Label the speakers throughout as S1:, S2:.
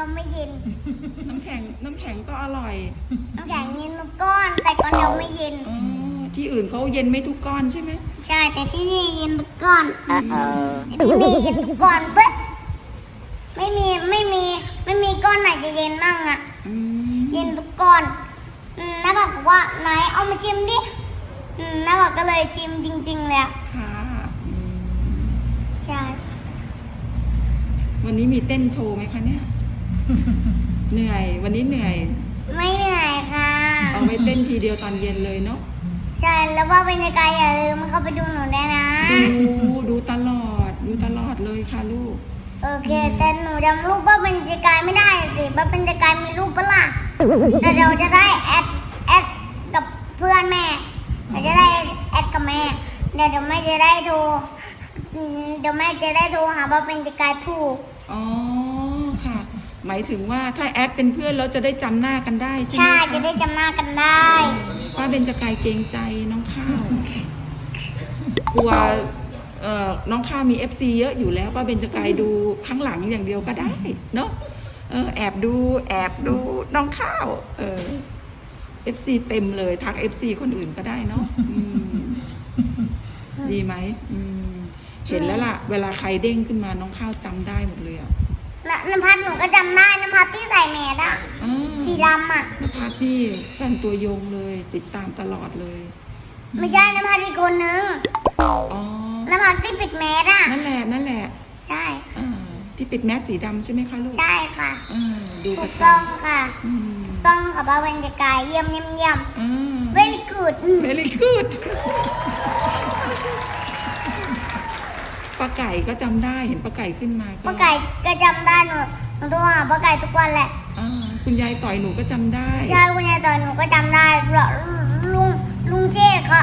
S1: ยวไม่เย็น
S2: น้ำแข็งก็อร่อย
S1: น้ำแข็งเย็นทุกก้อนแต่ก้อนเดียวไม่เย็น
S2: อ๋อที่อื่นเขาเย็นไม่ทุกก้อนใช่ไหม
S1: ใช่แต่ที่นี่เย็นทุกก้อนที่นี่เย็นทุกก้อนปึ๊บไม่มีก้อนไหนจะเย็นมั่งอ่ะ
S2: อืม
S1: เย็นทุกก้อนน้าบอกว่าไหนเอามาชิมดิน้าบอกก็เลยชิมจริงๆเลยอะ
S2: ค่ะอืม
S1: ใช่
S2: วันนี้มีเต้นโชว์ไหมคะเนี่ย เหนื่อย วันนี้เหนื่อย
S1: ไม่เหนื่อยค่ะ
S2: เอาไว้เต้นทีเดียวตอนเย็นเลยเนาะ
S1: ใช่แล้วว่าเป็นยังไงอย่าลืมเข้าไปดูหนูได้นะ
S2: ดูตลอดเลยค่ะลูก
S1: โอเคแต่หนูจำรูปว่าเป็นจิกายไม่ได้สิว่าเป็นจิกายมีรูปปะล่ะแต่เราจะได้แอดกับเพื่อนแม่เราจะได้แอดกับแม่เดี๋ยวแม่จะได้โทรเดี๋ยวแม่จะได้โทรหาว่าเป็นจิกายถูก
S2: อ๋อค่ะ หมายถึงว่าถ้าแอดเป็นเพื่อนเราจะได้จำหน้ากันได้ใช่ไหม
S1: ใช่
S2: คะ
S1: จะได้จำหน้ากันได้
S2: ป้าเบญจกายเกรงใจน้องข้าว กลัวน้องข้าวมี FC เยอะอยู่แล้วป้าเบญจกายดูข้างหลังอย่างเดียวก็ได้เนาะแอบดูน้องข้าว FC เต็มเลยทัก FC คนอื่นก็ได้เนาะดีไหมเห็นแล้วล่ะ เวลาใครเด้งขึ้นมาน้องข้าวจำได้หมดเลยอ่ะ
S1: น้ำพัดหนูก็จำได้น้ำพัดที่ใส่แมสอะ
S2: อ่า
S1: สีดำอะ
S2: นภัสที่แฟนตัวยงเลยติดตามตลอดเลย
S1: ไม่ใช่น้ำพัดอีกคนนึง
S2: อ๋อ
S1: น้ำพัดที่ปิดแมสอะ
S2: นั่นแหละ
S1: ใช่
S2: ที่ปิดแมสสีดำใช่ไหมคะลูก
S1: ใช่ค่ะ
S2: ดู
S1: ถู
S2: ประ
S1: ก
S2: จ
S1: ต้องค่ะ
S2: ำอืม
S1: ถูกต้องค่ะป้าเบญจกายเยี่ยมvery good
S2: เวลี่กูดป้าไก่ก็จำได้เห็นป้าไก่ขึ้นมา
S1: ป้าไก่ก็จำได้หนูโทรหาป้าไก่ทุกวันแหละ
S2: คุณยายต่อยหนูก็จำได้
S1: ใช่คุณยายตอนหนูก็จำได้ลุงเชษฐ์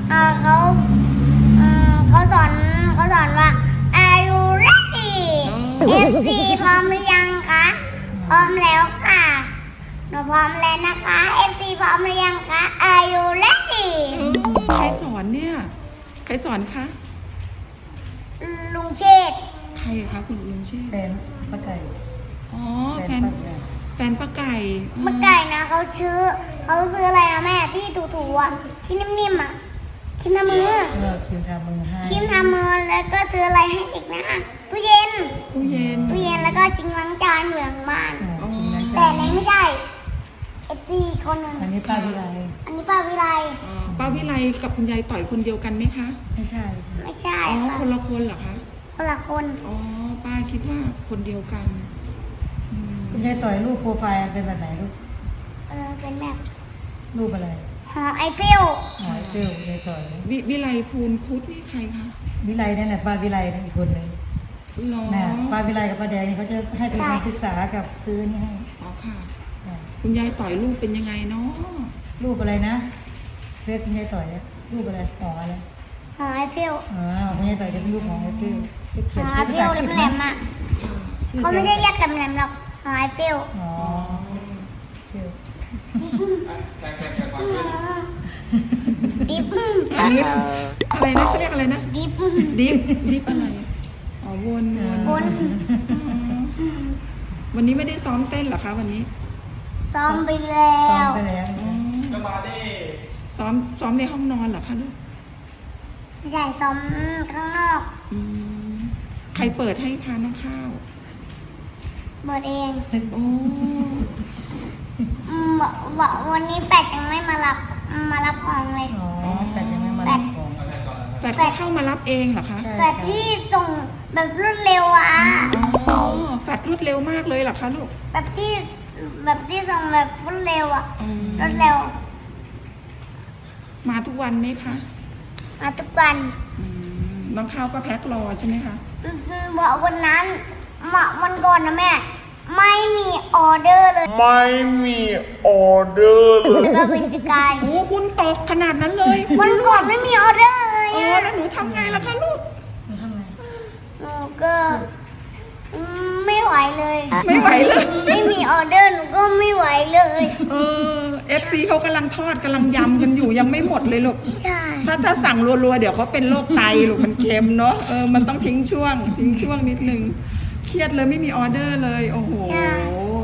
S1: เขาสอนว่า Are you ready FC พร้อมหรือยังคะพร้อมแล้วค่ะหนูพร้อมแล้วนะคะ FC พร้อมหรือยังคะ Are you ready
S2: ใครสอนเนี่ยใครสอนคะ
S1: ลุงเชษฐ์
S2: ใครคะคุณลุงชื่อ
S3: แฟนป้าไก่
S2: อ๋อแฟ
S3: แฟ
S2: น
S3: นป้าไก่
S2: แฟนป้าไก่
S1: ป้าไก่นะเขาซื้ออะไรนะแม่ที่ถูๆอ่ะที่นิ่มๆอ่ะครีมทามือ
S3: คิมทำมือให้
S1: ครีมทามือแล้วก็ซื้ออะไรให้อีกนะตู้เย็น
S2: ตู้เย็น
S1: แล้วก็ชิงล้างจานอยู่หลังบ้าน
S3: อ๋อคิมนะ
S1: แต่
S3: จ๊ะ
S1: เล็กไม่ใช่FC คนหนึ่ง
S3: อันนี้ป้าวิไล
S1: อันนี้ป้าวิไล
S2: ป้าวิไลกับคุณยายต่อยคนเดียวกันไหมคะ
S3: ไม่ใช่
S1: ไม่ใช่
S2: อ๋อ
S1: ค่ะ
S2: คนละคนเหรอคะ
S1: คนละคน
S2: อ๋อป้าคิดว่าคนเดียวกันอืม
S3: คุณยายต่อยรูปโปรไฟล์เป็นแบบไหนรูป
S1: เป็นแบบ
S3: รูปอะไร
S1: หอไอเฟล
S3: หอยเซลล์ยายต่อย
S2: วิไลภูลพุทธนี่ใครคะ
S3: วิไลนั่นแหละป้าวิไลนั่นอีกคนหนึ่ง
S2: หรอ
S3: น่ะป้าวิไลกับป้าแดงนี่เขาจะให้ทุนการศึกษากับซื้อนี่ให้
S2: อ๋อค่ะ
S3: น่ะ
S2: คุณยายต่อยลูกเป็นยังไงเนาะ
S3: รูปอะไรนะเฟซคุณยายต่อยอะรูปอะไรหออะไร
S1: หอไอเฟล
S3: อ๋อคุณยายต่อยจะเป็นรูปหอไอเฟล
S1: ห
S3: เขีย
S1: อน ไอ
S3: เป็น
S1: เฟ
S3: ภาษา
S1: ล
S3: อังกฤษ
S1: แหล
S3: นะ
S1: มๆอ่ะ
S3: ชื่อ
S1: เขาไม่ใช่เรียกแหลมๆหรอกหอไอเฟล
S3: อ๋อเฟล
S1: ดิฟ
S2: อันนี้อะไรนะเขาเรียกอะไรนะ
S1: ดิฟ
S2: ดิฟอะไรอ๋อวน
S1: บน
S2: วันนี้ไม่ได้ซ้อมเต้นเหรอคะวันนี้
S1: ซ้อมไปแล้
S3: ซ้อม
S1: ว
S3: ไปแล้ว
S2: ซ้อมในห้องนอนเหรอคะลูก
S1: ไม่ใช่ซ้อมข้างนอก
S2: อืมใครเปิดให้คะน้องข้าว
S1: เบิดเอง
S2: โอ้
S1: วันนี้แฟดยังไม่มารับของเลย
S3: อ๋อแต่ยังไม่มารับของ
S2: แฟดก็เข้ามารับเองเหรอคะ
S3: ใช่
S1: แฟดที่ส่งแบบรวดเร็วอ่ะ
S2: อ๋อแฟดรวดเร็วมากเลยเหรอคะลูก
S1: แบบที่ส่งแบบรวดเร็วอ่ะ
S2: อืม
S1: รวดเร็ว
S2: มาทุกวันไหมคะ
S1: มาทุกวัน
S2: อืมน้องข้าวก็แพ็ครอใช่ไหมคะ
S1: บอกวันนั้นวันก่อนนะแม่ ไม่มีออเดอร์เลย
S4: ไม่มีออเดอร์เลย
S1: เราเป็นจิกาย
S2: โอ้คุณตกขนาดนั้นเลย
S1: วันก่อนไม่มีออเดอร์เลย
S2: อ๋อ
S1: อะ
S2: แล้วหนูทำไงล่ะคะลูก
S3: มันทำไง
S1: หนูก็ไม่ไหวเลย
S2: ไม่ไหวเลย
S1: ไม่มีออเดอร์หนูก็ไม่ไหวเลย
S2: FC เขากำลังทอดกำลังยำกันอยู่ยังไม่หมดเลยลูก
S1: ใช่
S2: ถ้าสั่งรัวๆเดี๋ยวเขาเป็นโรคไตลูกมันเค็มเนาะมันต้องทิ้งช่วงนิดนึงเครียดเลยไม่มีออเดอร์เลยโอ้โห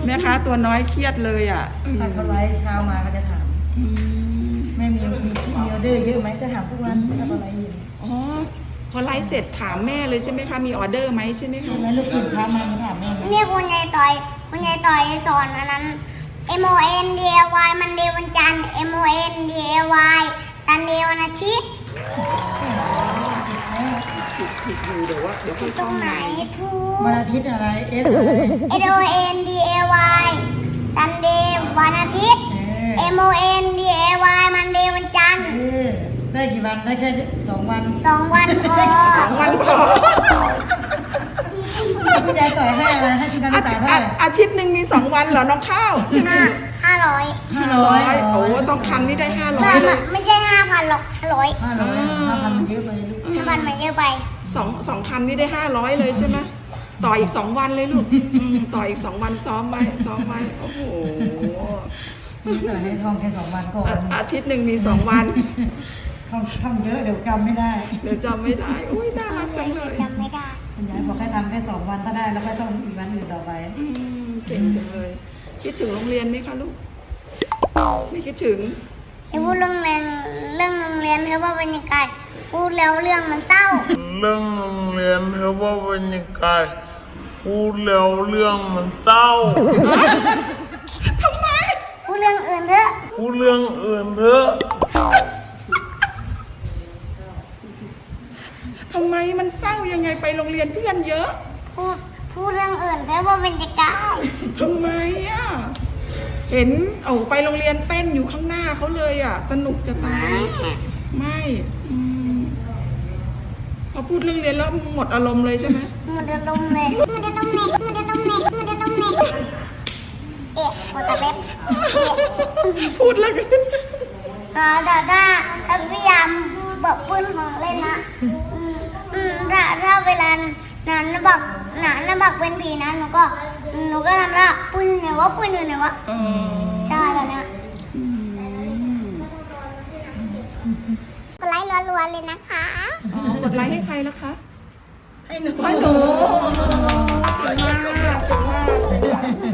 S2: แม่ค้าตัวน้อยเครียดเลยอ่ะ
S3: ถ้าเขาไลฟ์เช้ามาก็จะถาม
S2: อืม
S3: แม่มีออเดอร์เยอะไหมก็ถามทุกวันถ้าเขาไลฟ์อยู่
S2: อ๋อพอไลฟ์เสร็จถามแม่เลยใช่ไหมคะมีออเดอร์ไหมใช่ไหม
S3: ใช่
S2: คะ
S3: ไหมลูกตื่นเช้ามาถามแม่ไหม
S1: เนี่ยคุณยายต่อยสอนอันนั้น MONDAY มันเดย์วันจันทร์ MONDAY ซันเดย์วันอาทิตย์
S2: ผิดอยู่เดี๋ยวค่อย
S1: ตรงไหนทู
S3: วันอาทิตย์อะไรเอสอะไร
S1: MONDAY ซันเดย์วันอาทิตย์ MONDAY มันเดย์วันจันทร์
S3: ได้กี่วันได้แค่2 วัน
S1: 2 วันพอ
S2: วันพอ
S3: คุณยายต่อยให้อะไรให้ทุนการศึกษาเท่าไหร่
S2: อาทิตย์หนึ่งมี2 วันเหรอน้องข้าวใช่ไหม
S1: 500
S2: 500โอ้2,000นี่ได้500เลย
S1: ไม่ใช่ 5,000หรอก500
S3: 500มันเยอะไปลูก
S1: 5,000มันเยอะไป
S2: 2,000นี่ได้500เลยใช่ไหมต่ออีก2 วันเลยลูกต่ออีก2 วันซ้อมไว้โอ้โห
S3: ต่อยให้ท่องแค่2 วันก่อน
S2: อาทิตย์หนึ่งมี2 วัน
S3: ท่องเยอะเดี๋ยวจำไม่ได้
S2: เดี๋ยวจำไม่ได้อุ้ยน่ารักจังเลย
S1: จำไม่ได้
S3: คุณยายบอกให้ทำแค่2 วันถ้าได้แล้วก็ต้องอีกวันอื่นต่อไป
S2: เก่งจังเลยคิดถึงโรงเรียนไหมคะลูกไม่คิดถึง
S1: ไอ้พูดเรื่องโรงเรียนเพราะว่าบรรยากาศพูดแล้วเรื่องมันเศร้า
S4: เรื่องโรงเรียนเพราะว่าบรรยากาศพูดแล้วเรื่องมันเศร้า
S1: พูดเรื่องอื่นเถอะ
S4: พูดเรื่องอื่นเถอะ
S2: ทำไมมันเศร้ายังไงไปโรงเรียนเพื่อนเยอะ
S1: พูดเรื่องอื่นเพราะว่าบรรยากาศ
S2: ทำไมอ่ะเห็นไปโรงเรียนเต้นอยู่ข้างหน้าเขาเลยอ่ะ สนุกจะตายไม่พอพูดเรื่องเรียนแล้วหมดอารมณ์เลยใช่ไหม
S1: มันจะลมเลยเอ๊ะหัวตะเล็บ
S2: พูดแล้วกัน
S1: แต่ถ้าพยายามบอกปืนของเล่นนะถ้าเวลานั้นบอกเป็นผีนะหนูก็ทำละปืนอยู่ไหนวะใช่แล้วเนี่ยกดไลค์รัวๆเลยนะคะ
S2: กดไลค์ให้ใครแล้วคะ
S3: ให้หนู
S2: ให้หนูเก่งมาก